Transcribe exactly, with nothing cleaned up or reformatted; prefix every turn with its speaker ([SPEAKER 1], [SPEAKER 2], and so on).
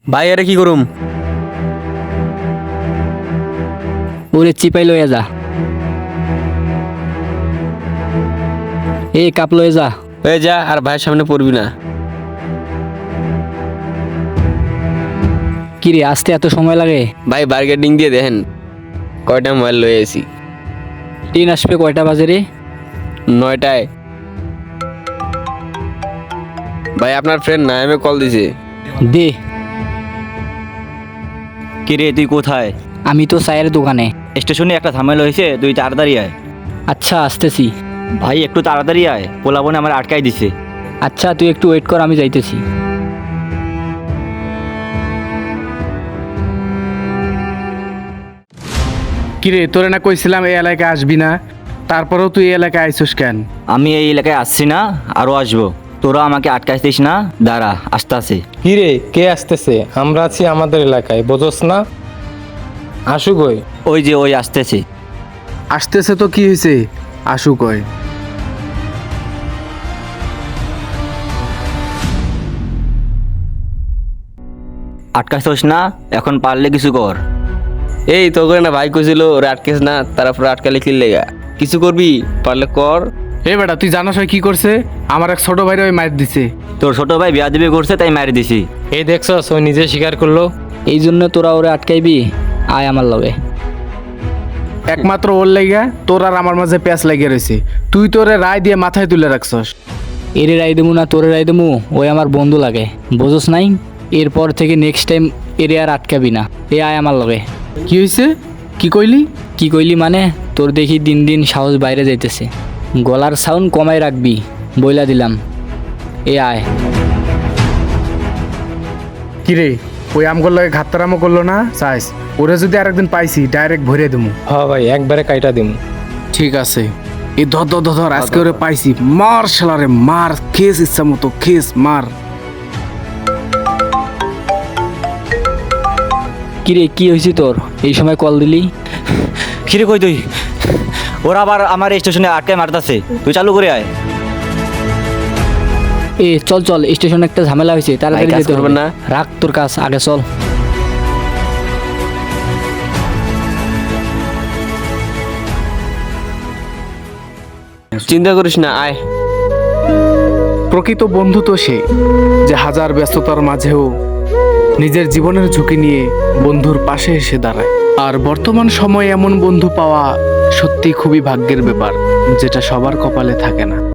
[SPEAKER 1] ভাই আরে কি করুম?
[SPEAKER 2] ওরে চিপাই লয়ে যা। এ কাপ লয়ে যা।
[SPEAKER 1] হয়ে যা, আর ভাইয়ের সামনে পড়বি না।
[SPEAKER 2] কিরে আসতে এত সময় লাগে?
[SPEAKER 1] ভাই বার্গেটিং দিয়ে দেখেন কয়টা মোবাইল লয়ে এসি।
[SPEAKER 2] ট্রেন আসবে কয়টা বাজে রে?
[SPEAKER 1] নয়টায়। ভাই আপনার ফ্রেন্ড নাইমে কল দিছে।
[SPEAKER 2] দে।
[SPEAKER 3] কিরে তুই কোথায়?
[SPEAKER 2] আমি তো চায়ের দোকানে।
[SPEAKER 3] স্টেশনে একটা ঝামেলা হয়েছে, তুই তাড়াতাড়ি আয়।
[SPEAKER 2] আচ্ছা আসতেছি।
[SPEAKER 3] ভাই একটু তাড়াতাড়ি আয়, পোলাবনে আমার আটকাই দিছে।
[SPEAKER 2] আচ্ছা তুই একটু ওয়েট কর, আমি যাইতেছি।
[SPEAKER 4] কিরে তোরে না কইছিলাম এই এলাকায় আসবি না, তারপরেও তুই এই এলাকায় আইসুস কেন?
[SPEAKER 3] আমি এই এলাকায় আসছি না, আরও আসবো। তোরা আমাকে আটকাইছিস না, দাঁড়া আস্তে আস্তে।
[SPEAKER 5] কিরে কে আসতেছে? আমরা আছি আমাদের এলাকায়, বোঝস না? আসু গই।
[SPEAKER 3] ওই যে ওই আসতেছে।
[SPEAKER 4] আসতেছে তো কি হয়েছে, আসু কয়।
[SPEAKER 3] আটকাইছিস না, এখন পারলে কিছু কর।
[SPEAKER 1] এই তো করে না ভাই কইছিল ওরে আটকেস না, তারপরে আটকালে কি লেগা? কিছু করবি পারলে কর।
[SPEAKER 4] এ বেটা তুই জানাস হয় কি করছে? আমার এক ছোট ভাইরে ওই মাইর দিছে।
[SPEAKER 3] তোর ছোট ভাই বিয়া দিবি করছে, তাই মারি দিছি।
[SPEAKER 5] এই দেখছস ও নিজে স্বীকার করলো।
[SPEAKER 2] এই জন্য তোরা ওরে আটকাইবি? আয় আমার লগে।
[SPEAKER 4] একমাত্র ওর লাইগা তোর আর আমার মাঝে প্যাঁচ লাগিয়ে রয়েছে, তুই তোরে রায় দিয়ে মাথায় তুলে রাখছস।
[SPEAKER 2] এরে রাই দেবো না তোরে রাই দেবো, ওই আমার বন্ধু লাগে, বোঝস নাই? এরপর থেকে নেক্সট টাইম এরে আর আটকাবি না। এ আয় আমার লগে।
[SPEAKER 4] কি হয়েছে? কি কইলি?
[SPEAKER 2] কি কইলি মানে? তোর দেখি দিন দিন সাহস বাইরে যাইতেছে, গলার সাউন্ড কমাই রাখবি বইলা দিলাম। এ আয়।
[SPEAKER 4] কিরে ওই আমগোর লাগে ঘাত্তারামো করলো না চাইস? ওরে যদি আরেকদিন পাইছি ডাইরেক্ট ভরে দেবো।
[SPEAKER 5] হ ভাই একবারে কাইটা দিমু।
[SPEAKER 4] ঠিক আছে, এই ধর ধর ধর ধর, আজকে ওরে পাইছি, মার শালারে মার, খেস ইচ্ছা মতো খেস মার।
[SPEAKER 2] কিরে কি হয়েছে তোর? এই সময় কল দিলি?
[SPEAKER 3] কিরে কই তুই? ওরা আবার আমার স্টেশনে আটকায় মারতাছে, তুই চালু করে আয়।
[SPEAKER 2] এ চল চল, স্টেশনে একটা ঝামেলা হয়েছে, তাড়াতাড়ি
[SPEAKER 1] ভাই, কাজ
[SPEAKER 2] যেতে হবে
[SPEAKER 1] করবেন না?
[SPEAKER 2] রাখ তোর কাজ, আগে চল।
[SPEAKER 1] চিন্তা করিস না, আয়।
[SPEAKER 4] প্রকৃত বন্ধু তো সে যে হাজার ব্যস্ততার মাঝেও নিজের জীবনের ঝুঁকি নিয়ে বন্ধুর পাশে এসে দাঁড়ায়। আর বর্তমান সময়ে এমন বন্ধু পাওয়া সত্যি খুবই ভাগ্যের ব্যাপার, যেটা সবার কপালে থাকে না।